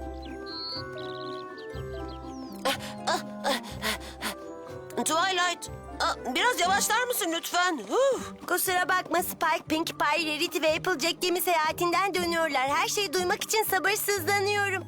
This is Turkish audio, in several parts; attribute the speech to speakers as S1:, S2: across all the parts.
S1: Twilight, biraz yavaşlar mısın lütfen?
S2: Kusura bakma Spike, Pinkie Pie, Rarity ve Applejack gemi seyahatinden dönüyorlar. Her şeyi duymak için sabırsızlanıyorum.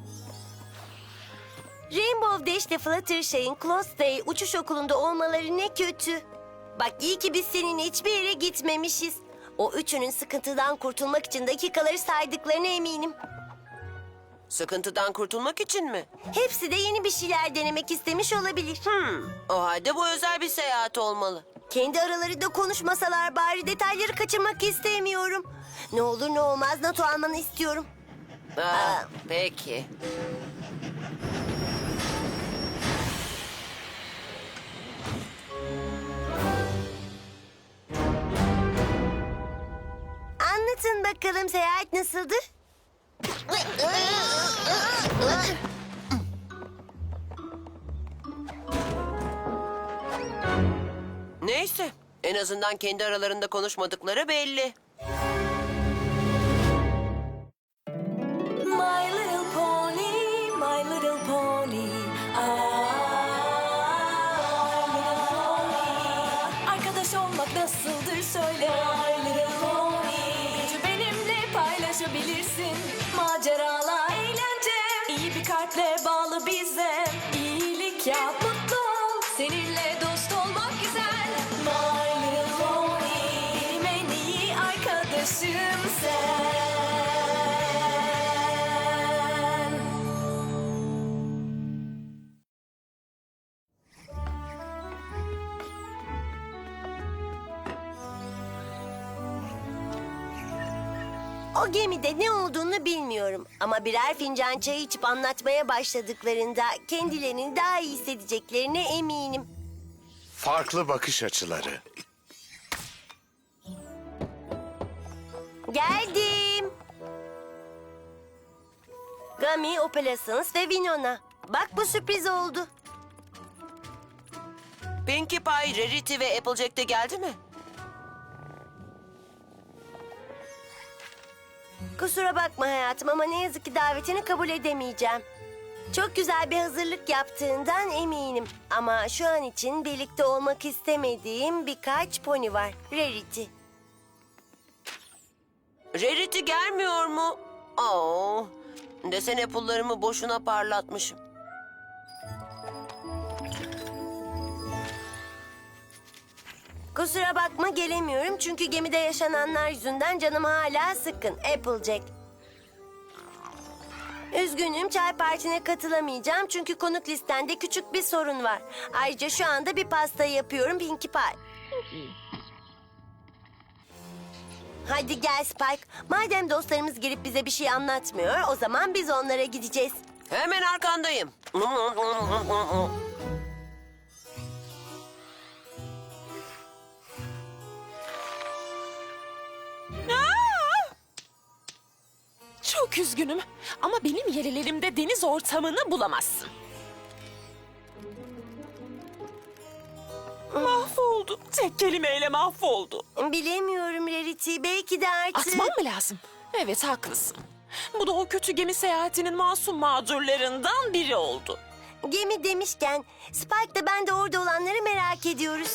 S2: Rainbow Dash ile Fluttershy'in Close Day uçuş okulunda olmaları ne kötü. Bak iyi ki biz seninle hiçbir yere gitmemişiz. O üçünün sıkıntıdan kurtulmak için dakikaları saydıklarına eminim.
S1: Sıkıntıdan kurtulmak için mi?
S2: Hepsi de yeni bir şeyler denemek istemiş olabilir.
S1: O halde bu özel bir seyahat olmalı.
S2: Kendi aralarında konuşmasalar bari, detayları kaçırmak istemiyorum. Ne olur ne olmaz NATO almanı istiyorum.
S1: Peki.
S2: Anlatın bakalım, seyahat nasıldı?
S1: Neyse, en azından kendi aralarında konuşmadıkları belli.
S3: My little pony, my little pony. Ah, my little pony. Arkadaş olmak nasıldır söyle. My little pony. Gücü benimle paylaşabilirsin. Maceralar, eğlence. İyi bir kalple bağlı bize. İyilik yap, mutlu ol. Seninle dost olmak güzel. My little pony. Benim en iyi arkadaşım sen.
S2: O gemide ne olduğunu bilmiyorum. Ama birer fincan çay içip anlatmaya başladıklarında kendilerini daha iyi hissedeceklerine eminim.
S4: Farklı bakış açıları.
S2: Geldim. Gummy, Opalescence ve Winona. Bak bu sürpriz oldu.
S1: Pinkie Pie, Rarity ve Applejack de geldi mi?
S2: Kusura bakma hayatım ama ne yazık ki davetini kabul edemeyeceğim. Çok güzel bir hazırlık yaptığından eminim. Ama şu an için birlikte olmak istemediğim birkaç pony var. Rarity.
S1: Rarity gelmiyor mu? Desene pullarımı boşuna parlatmışım.
S2: Kusura bakma gelemiyorum çünkü gemide yaşananlar yüzünden canım hala sıkkın. Applejack. Üzgünüm, çay partine katılamayacağım çünkü konuk listende küçük bir sorun var. Ayrıca şu anda bir pasta yapıyorum, Pinkie Pie. Hadi gel Spike. Madem dostlarımız gelip bize bir şey anlatmıyor, o zaman biz onlara gideceğiz.
S1: Hemen arkandayım.
S5: Çok üzgünüm ama benim yerlerimde deniz ortamını bulamazsın. Mahvoldu. Tek kelimeyle mahvoldu.
S2: Bilemiyorum Rarity, belki de artık...
S5: Atmam mı lazım? Evet, haklısın. Bu da o kötü gemi seyahatinin masum mağdurlarından biri oldu.
S2: Gemi demişken Spike da ben de orada olanları merak ediyoruz.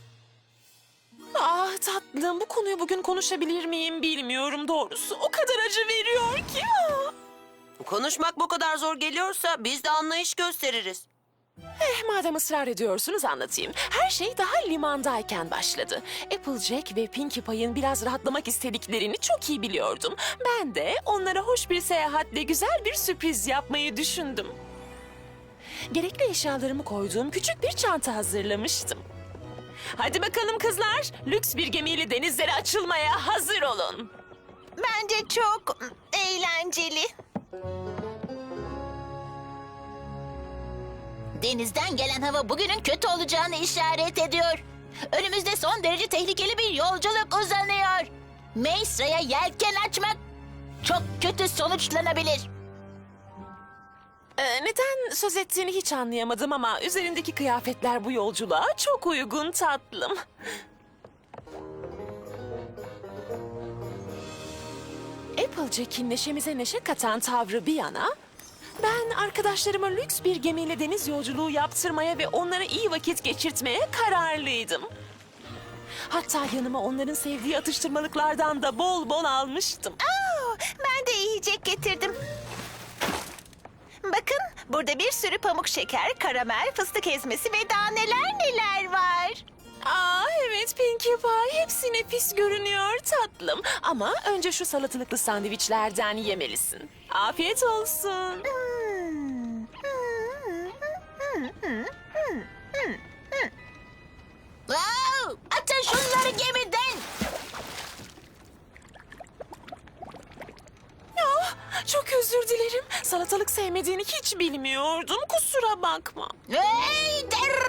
S5: Ah tatlım, bu konuyu bugün konuşabilir miyim bilmiyorum doğrusu. O kadar acı veriyor ki.
S1: Konuşmak bu kadar zor geliyorsa biz de anlayış gösteririz.
S5: Madem ısrar ediyorsunuz anlatayım. Her şey daha limandayken başladı. Applejack ve Pinkie Pie'in biraz rahatlamak istediklerini çok iyi biliyordum. Ben de onlara hoş bir seyahatle güzel bir sürpriz yapmayı düşündüm. Gerekli eşyalarımı koyduğum küçük bir çanta hazırlamıştım. Hadi bakalım kızlar, lüks bir gemiyle denizlere açılmaya hazır olun.
S6: Bence çok eğlenceli. Denizden gelen hava bugünün kötü olacağını işaret ediyor. Önümüzde son derece tehlikeli bir yolculuk uzanıyor. Maesa'ya yelken açmak çok kötü sonuçlanabilir.
S5: Neden söz ettiğini hiç anlayamadım ama üzerindeki kıyafetler bu yolculuğa çok uygun tatlım. Applejack'in neşemize neşe katan tavrı bir yana, Ben arkadaşlarıma lüks bir gemiyle deniz yolculuğu yaptırmaya ve onlara iyi vakit geçirtmeye kararlıydım. Hatta yanıma onların sevdiği atıştırmalıklardan da bol bol almıştım.
S7: Ben de yiyecek getirdim. Bakın burada bir sürü pamuk şeker, karamel, fıstık ezmesi ve daha neler var.
S5: Aa evet Pinkie Pie, hepsi nefis görünüyor tatlım. Ama önce şu salatalıklı sandviçlerden yemelisin. Afiyet olsun.
S6: Wow! Atın şunları gemiden.
S5: Ah, çok özür dilerim. Salatalık sevmediğini hiç bilmiyordum. Kusura bakma.
S6: Hey!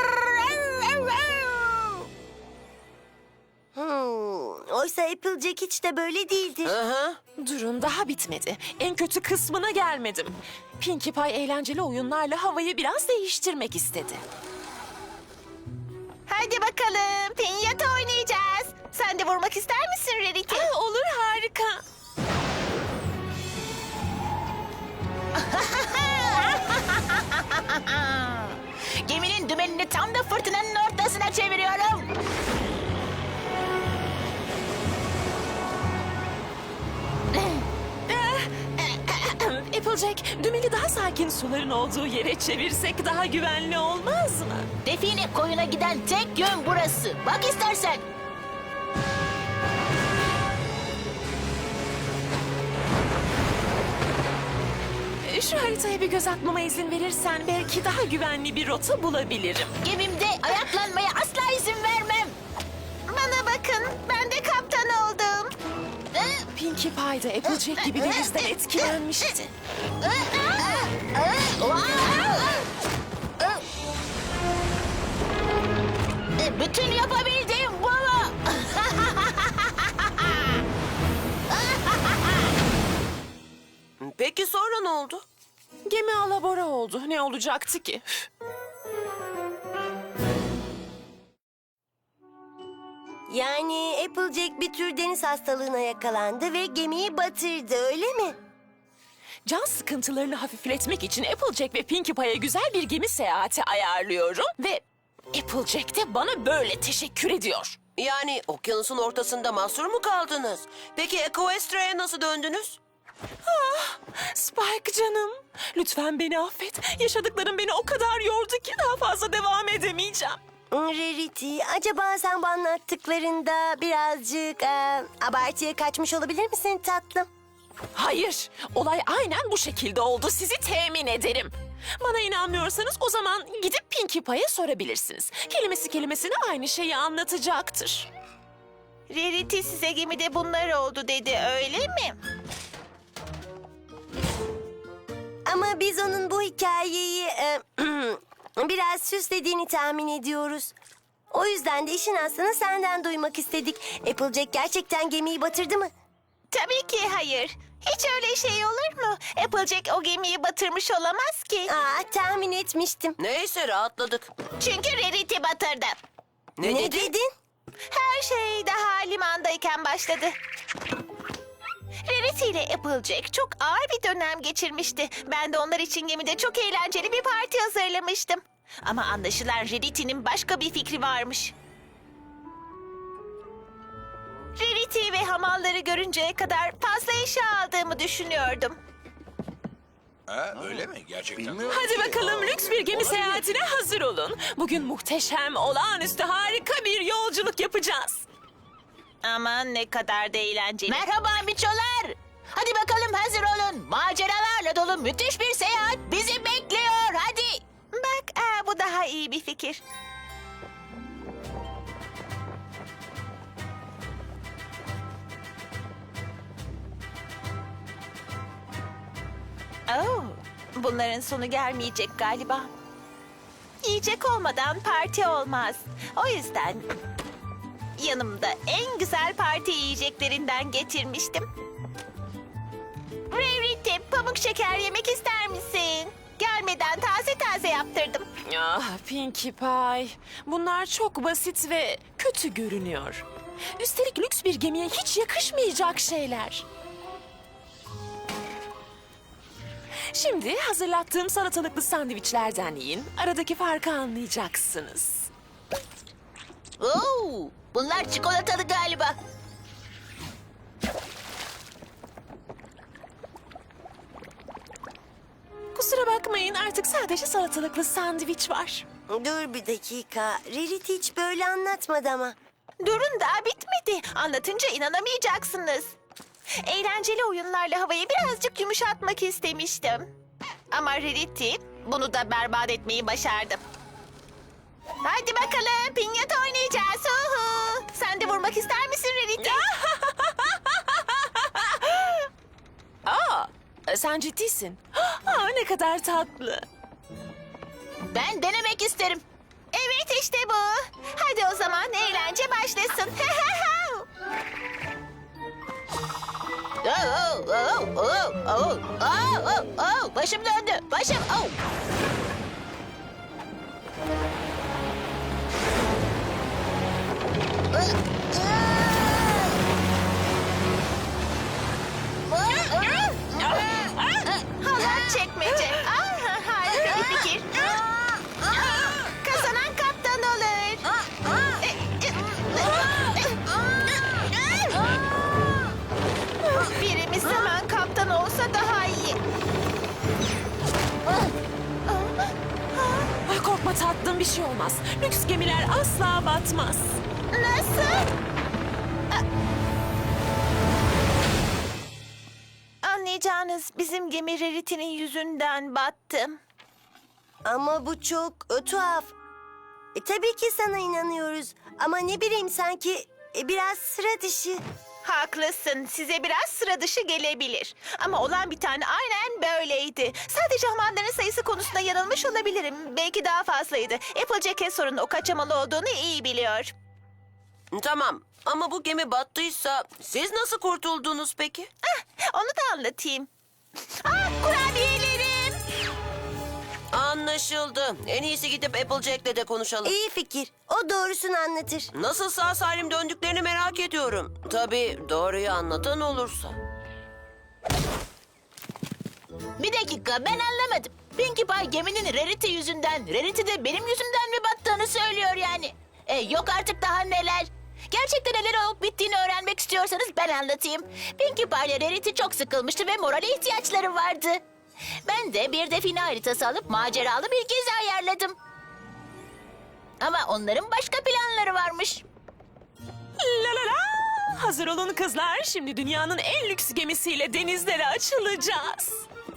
S2: Oysa Applejack hiç de böyle değildir.
S1: Aha.
S5: Durun, daha bitmedi. En kötü kısmına gelmedim. Pinkie Pie eğlenceli oyunlarla havayı biraz değiştirmek istedi.
S7: Hadi bakalım pinyata oynayacağız. Sen de vurmak ister misin Rarity?
S5: Olur, harika.
S6: Geminin dümenini tam da fırtınanın ortasına çeviriyorum.
S5: Applejack, dümeni daha sakin suların olduğu yere çevirsek daha güvenli olmaz mı?
S6: Define koyuna giden tek yön burası. Bak istersen.
S5: Şu haritaya bir göz atmama izin verirsen belki daha güvenli bir rota bulabilirim.
S6: Gemimde ayaklanmaya asla izin vermem.
S7: Bana bakın ben de kaptan oldum.
S5: Pinkie Pie de Applejack gibi denizden etkilenmişti.
S6: Bütün yapabildiğim bu mu?
S1: Peki sonra ne oldu?
S5: Gemi alabora oldu. Ne olacaktı ki?
S2: Yani Applejack bir tür deniz hastalığına yakalandı ve gemiyi batırdı, öyle mi?
S5: Can sıkıntılarını hafifletmek için Applejack ve Pinkie Pie'ye güzel bir gemi seyahati ayarlıyorum ve Applejack de bana böyle teşekkür ediyor.
S1: Yani okyanusun ortasında mahsur mu kaldınız? Peki Equestria'ya nasıl döndünüz?
S5: Spike canım, lütfen beni affet. Yaşadıklarım beni o kadar yordu ki daha fazla devam edemeyeceğim.
S2: Rarity, acaba sen bu anlattıklarında birazcık abartıya kaçmış olabilir misin tatlım?
S5: Hayır, olay aynen bu şekilde oldu. Sizi temin ederim. Bana inanmıyorsanız o zaman gidip Pinkie Pie'ye sorabilirsiniz. Kelimesi kelimesine aynı şeyi anlatacaktır.
S7: Rarity size gemide bunlar oldu dedi öyle mi?
S2: Ama biz onun bu hikayeyi biraz süslediğini tahmin ediyoruz. O yüzden de işin aslını senden duymak istedik. Applejack gerçekten gemiyi batırdı mı?
S7: Tabii ki hayır. Hiç öyle şey olur mu? Applejack o gemiyi batırmış olamaz ki.
S2: Tahmin etmiştim.
S1: Neyse rahatladık.
S7: Çünkü Rarity batırdı.
S1: Ne,
S2: Ne dedin?
S7: Her şey daha limandayken başladı. Rarity ile Applejack çok ağır bir dönem geçirmişti. Ben de onlar için gemide çok eğlenceli bir parti hazırlamıştım. Ama anlaşılan Rarity'nin başka bir fikri varmış. Rarity ve hamalları görünceye kadar fazla eşya aldığımı düşünüyordum.
S8: Ha, öyle mi? Gerçekten.
S5: Hadi bakalım, lüks bir gemi seyahatine hazır olun. Bugün muhteşem, olağanüstü harika bir yolculuk yapacağız.
S7: Aman ne kadar da eğlenceli.
S6: Merhaba miçolar. Hadi bakalım hazır olun. Maceralarla dolu müthiş bir seyahat bizi bekliyor. Hadi.
S7: Bak bu daha iyi bir fikir. Bunların sonu gelmeyecek galiba. Yiyecek olmadan parti olmaz. O yüzden yanımda en güzel parti yiyeceklerinden getirmiştim. Rarity, pamuk şeker yemek ister misin? Gelmeden taze taze yaptırdım.
S5: Ah Pinkie Pie, bunlar çok basit ve kötü görünüyor. Üstelik lüks bir gemiye hiç yakışmayacak şeyler. Şimdi hazırlattığım salatalıklı sandviçlerden yiyin. Aradaki farkı anlayacaksınız.
S6: Oo, bunlar çikolatalı galiba.
S5: Kusura bakmayın, artık sadece salatalıklı sandviç var.
S2: Dur bir dakika. Rarity hiç böyle anlatmadı ama.
S7: Durun, daha bitmedi. Anlatınca inanamayacaksınız. Eğlenceli oyunlarla havayı birazcık yumuşatmak istemiştim. Ama Rarity bunu da berbat etmeyi başardı. Hadi bakalım, pinyata oynayacağız. Uhu. Sen de vurmak ister misin Rarity?
S5: Sen ciddisin. Aa, ne kadar tatlı.
S6: Ben denemek isterim.
S7: Evet, işte bu. Hadi o zaman eğlence başlasın.
S6: Başım döndü. Başım. Oh.
S7: Halat çekmece. Harika bir fikir. Kazanan kaptan olur. Birimiz hemen kaptan olsa daha iyi.
S5: Ah, korkma tatlım, bir şey olmaz. Lüks gemiler asla batmaz.
S7: Nasıl? Anlayacağınız bizim gemi Rarity'nin yüzünden battı.
S2: Ama bu çok tuhaf. Tabii ki sana inanıyoruz. Ama ne bileyim sanki biraz sıra dışı.
S7: Haklısın. Size biraz sıra dışı gelebilir. Ama olan bir tane aynen böyleydi. Sadece hamanların sayısı konusunda yanılmış olabilirim. Belki daha fazlaydı. Applejack sorunun o kaçamalı olduğunu iyi biliyor.
S1: Tamam ama bu gemi battıysa siz nasıl kurtuldunuz peki?
S7: Onu da anlatayım. Kurabiyelerim.
S1: Anlaşıldı. En iyisi gidip Applejack'le de konuşalım.
S2: İyi fikir. O doğrusunu anlatır.
S1: Nasıl sağ salim döndüklerini merak ediyorum. Tabii doğruyu anlatan olursa.
S6: Bir dakika, ben anlamadım. Pinkie Pie geminin Rarity yüzünden, Rarity de benim yüzümden mi battığını söylüyor yani. Yok artık, daha neler. Gerçekten neler olup bittiğini öğrenmek istiyorsanız ben anlatayım. Pinkie Pie ile Rarity çok sıkılmıştı ve morale ihtiyaçları vardı. Ben de bir define haritası alıp maceralı bir gezi ayarladım. Ama onların başka planları varmış.
S5: La la la! Hazır olun kızlar, şimdi dünyanın en lüks gemisiyle denizlere açılacağız.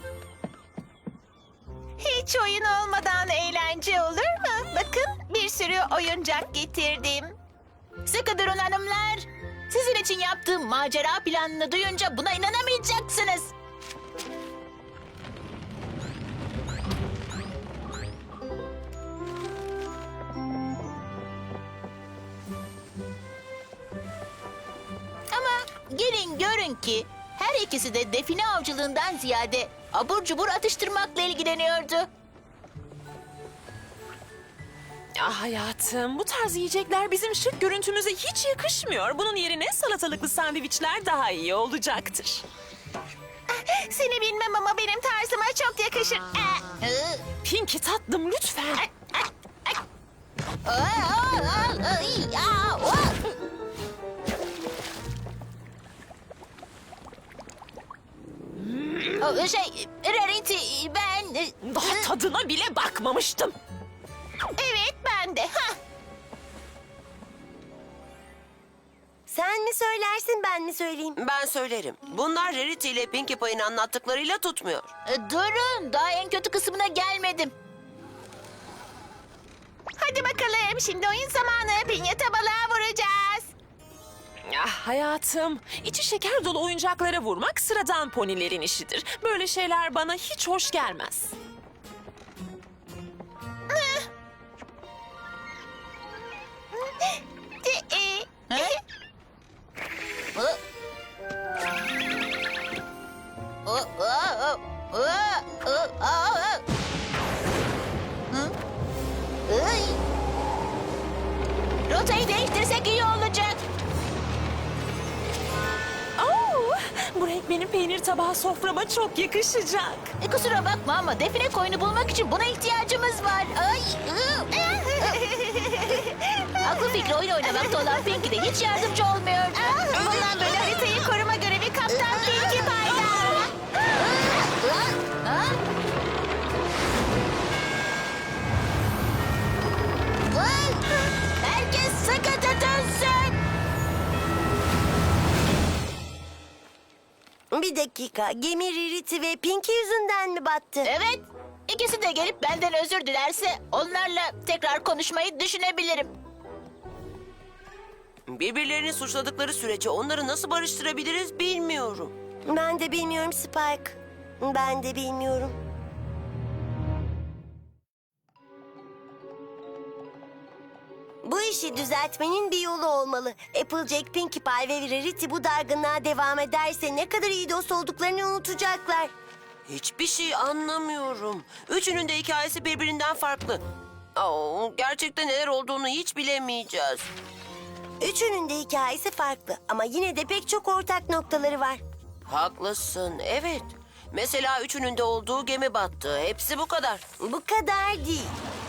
S7: Hiç oyun olmadan eğlence olur mu? Bakın, bir sürü oyuncak getirdim.
S6: Sıkı durun hanımlar. Sizin için yaptığım macera planını duyunca buna inanamayacaksınız. Ama gelin görün ki her ikisi de define avcılığından ziyade abur cubur atıştırmakla ilgileniyordu.
S5: Ah hayatım, bu tarz yiyecekler bizim şık görüntümüze hiç yakışmıyor. Bunun yerine salatalıklı sandviçler daha iyi olacaktır.
S7: Seni bilmem ama benim tarzıma çok yakışır.
S5: Pinkie tatlım, lütfen.
S6: Rarity, ben...
S5: Daha tadına bile bakmamıştım.
S7: Evet, ben de.
S2: Sen mi söylersin ben mi söyleyeyim?
S1: Ben söylerim. Bunlar Rarity ile Pinkie Pie'nin anlattıklarıyla tutmuyor.
S6: Durun, daha en kötü kısmına gelmedim.
S7: Hadi bakalım, şimdi oyun zamanı. Pinyata balığa vuracağız.
S5: Ah hayatım, içi şeker dolu oyuncaklara vurmak sıradan ponilerin işidir. Böyle şeyler bana hiç hoş gelmez.
S6: Rotayı değiştirsek iyi olacak.
S5: Oo, bu renk Benim peynir tabağı soframa çok yakışacak.
S6: Kusura bakma ama define koyunu bulmak için buna ihtiyacımız var. Ay. Aklı fikri oyun oynamakta olan Pinky de hiç yardımcı olmuyor.
S7: Bundan böyle haritayı koruma görevi Kaptan Pinkie Pie'da.
S6: Herkes sıkı tutunsun.
S2: Bir dakika, gemi Rarity ve Pinky yüzünden mi battı?
S6: Evet. İkisi de gelip benden özür dilerse onlarla tekrar konuşmayı düşünebilirim.
S1: Birbirlerini suçladıkları sürece onları nasıl barıştırabiliriz bilmiyorum.
S2: Ben de bilmiyorum Spike. Ben de bilmiyorum. Bu işi düzeltmenin bir yolu olmalı. Applejack, Pinkie Pie ve Rarity bu dargınlığa devam ederse ne kadar iyi dost olduklarını unutacaklar.
S1: Hiçbir şey anlamıyorum. Üçünün de hikayesi birbirinden farklı. Gerçekten neler olduğunu hiç bilemeyeceğiz.
S2: Üçünün de hikayesi farklı ama yine de pek çok ortak noktaları var.
S1: Haklısın, evet. Mesela üçünün de olduğu gemi battı. Hepsi bu kadar.
S2: Bu kadar değil.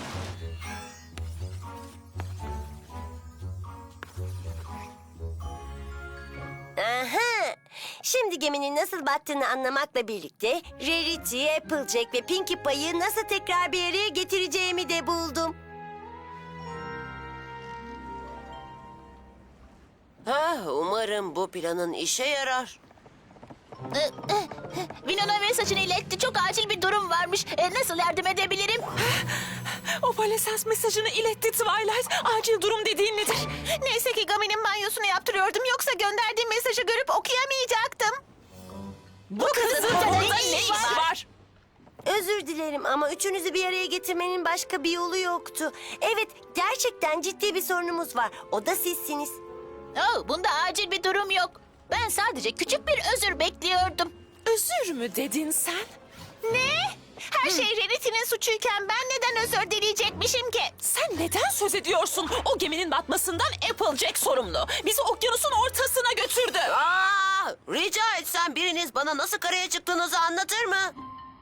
S2: Aha! Şimdi geminin nasıl battığını anlamakla birlikte Rarity, Applejack ve Pinkie Pie'yi nasıl tekrar bir araya getireceğimi de buldum.
S1: Umarım bu planın işe yarar.
S6: Winona mesajını iletti. Çok acil bir durum varmış. Nasıl yardım edebilirim?
S5: O Valesans mesajını iletti Twilight. Acil durum dediğin nedir?
S7: Neyse ki Gami'nin banyosunu yaptırıyordum. Yoksa gönderdiğim mesajı görüp okuyamayacaktım.
S5: Bu kızın
S6: burada
S5: burada
S6: ne
S5: ne
S6: işi
S5: işi
S6: var?
S5: var?
S2: Özür dilerim ama üçünüzü bir araya getirmenin başka bir yolu yoktu. Evet, gerçekten ciddi bir sorunumuz var. O da sizsiniz.
S6: Bunda acil bir durum yok. Ben sadece küçük bir özür bekliyordum.
S5: Özür mü dedin sen?
S7: Ne? Her şey Rarity'nin suçuyken ben neden özür dileyecekmişim ki?
S5: Sen neden söz ediyorsun? O geminin batmasından Applejack sorumlu. Bizi okyanusun ortasına götürdü.
S1: Rica etsem biriniz bana nasıl karaya çıktığınızı anlatır mı?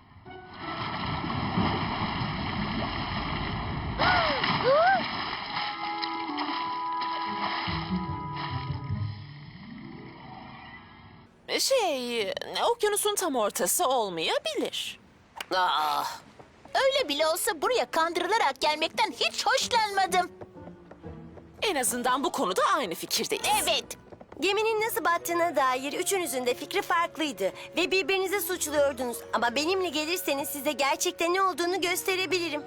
S5: Okyanusun tam ortası olmayabilir.
S6: Öyle bile olsa buraya kandırılarak gelmekten hiç hoşlanmadım.
S5: En azından bu konuda aynı fikirdeyiz.
S6: Evet.
S2: Geminin nasıl battığına dair üçünüzün de fikri farklıydı ve birbirinizi suçluyordunuz. Ama benimle gelirseniz size gerçekten ne olduğunu gösterebilirim.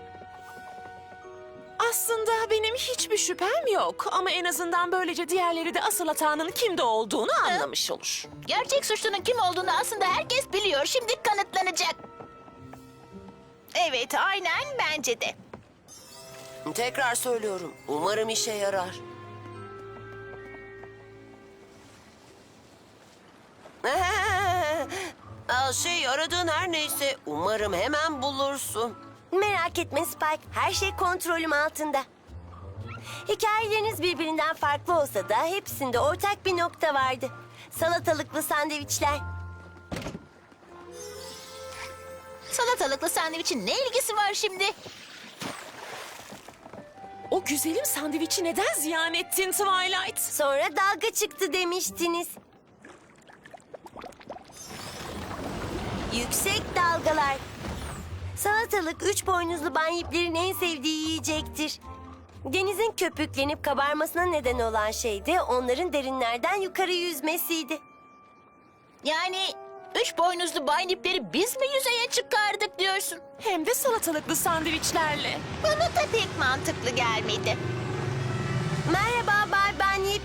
S5: Aslında benim hiçbir şüphem yok. Ama en azından böylece diğerleri de asıl hatanın kimde olduğunu anlamış olur.
S6: Gerçek suçlunun kim olduğunu aslında herkes biliyor. Şimdi kanıtlanacak.
S7: Evet, aynen bence de.
S1: Tekrar söylüyorum. Umarım işe yarar. Aradığın her neyse umarım hemen bulursun.
S2: Merak etme Spike, her şey kontrolüm altında. Hikayeleriniz birbirinden farklı olsa da hepsinde ortak bir nokta vardı. Salatalıklı sandviçler.
S6: Salatalıklı sandviçin ne ilgisi var şimdi?
S5: O güzelim sandviçi neden ziyan ettin Twilight?
S2: Sonra dalga çıktı demiştiniz. Yüksek dalgalar. Salatalık üç boynuzlu banyiplerin en sevdiği yiyecektir. Denizin köpüklenip kabarmasına neden olan şey de onların derinlerden yukarı yüzmesiydi.
S6: Yani üç boynuzlu baynipleri biz mi yüzeye çıkardık diyorsun?
S5: Hem de salatalıklı sandviçlerle.
S7: Bana da pek mantıklı gelmedi.
S2: Merhaba Bay Banyip.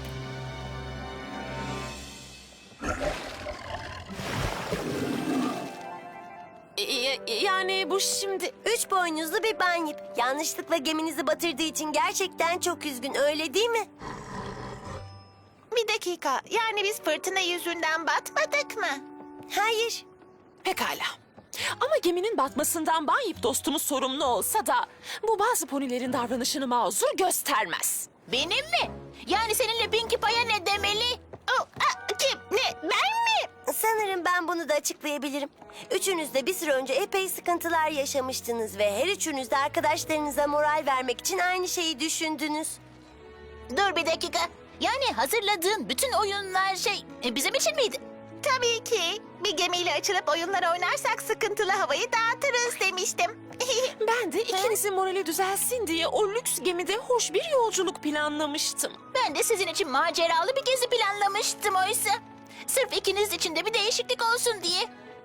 S5: Yani bu şimdi...
S2: Üç boynuzlu bir banyip. Yanlışlıkla geminizi batırdığı için gerçekten çok üzgün, öyle değil mi?
S7: Bir dakika, yani biz fırtına yüzünden batmadık mı?
S2: Hayır.
S5: Pekala. Ama geminin batmasından Banyip dostumuz sorumlu olsa da... ...bu bazı ponilerin davranışını mazur göstermez.
S6: Benim mi? Yani seninle Pinkie Pie'ye ne demeli?
S7: Kim? Ne? Ben mi?
S2: Sanırım ben bunu da açıklayabilirim. Üçünüz de bir süre önce epey sıkıntılar yaşamıştınız ve her üçünüz de arkadaşlarınıza moral vermek için aynı şeyi düşündünüz.
S6: Dur bir dakika. Yani hazırladığın bütün oyunlar bizim için miydi?
S7: Tabii ki. Bir gemiyle açılıp oyunlar oynarsak sıkıntılı havayı dağıtırız demiştim.
S5: Ben de ikinizin morali düzelsin diye o lüks gemide hoş bir yolculuk planlamıştım.
S6: Ben de sizin için maceralı bir gezi planlamıştım oysa. Sırf ikiniz için de bir değişiklik olsun diye.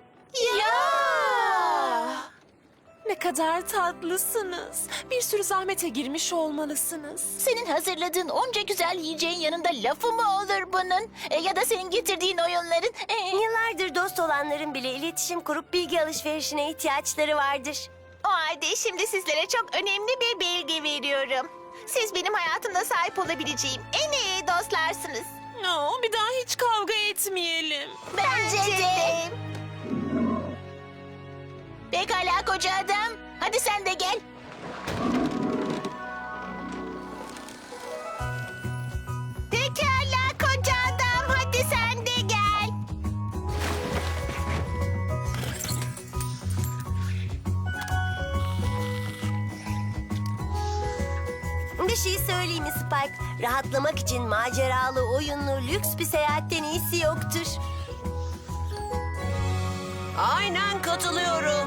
S5: Ne kadar tatlısınız. Bir sürü zahmete girmiş olmalısınız.
S6: Senin hazırladığın onca güzel yiyeceğin yanında lafı mı olur bunun? Ya da senin getirdiğin oyunların?
S2: Yıllardır dost olanların bile iletişim kurup bilgi alışverişine ihtiyaçları vardır.
S7: O halde şimdi sizlere çok önemli bir bilgi veriyorum. Siz benim hayatımda sahip olabileceğim en iyi dostlarsınız.
S5: Bir daha hiç kavga etmeyelim.
S6: Bence de. Pekala koca adam. Hadi sen de gel.
S7: Pekala koca adam, hadi sen de gel.
S2: Bir şey söyleyeyim mi Spike? Rahatlamak için maceralı, oyunlu, lüks bir seyahatten iyisi yoktur.
S1: Aynen katılıyorum.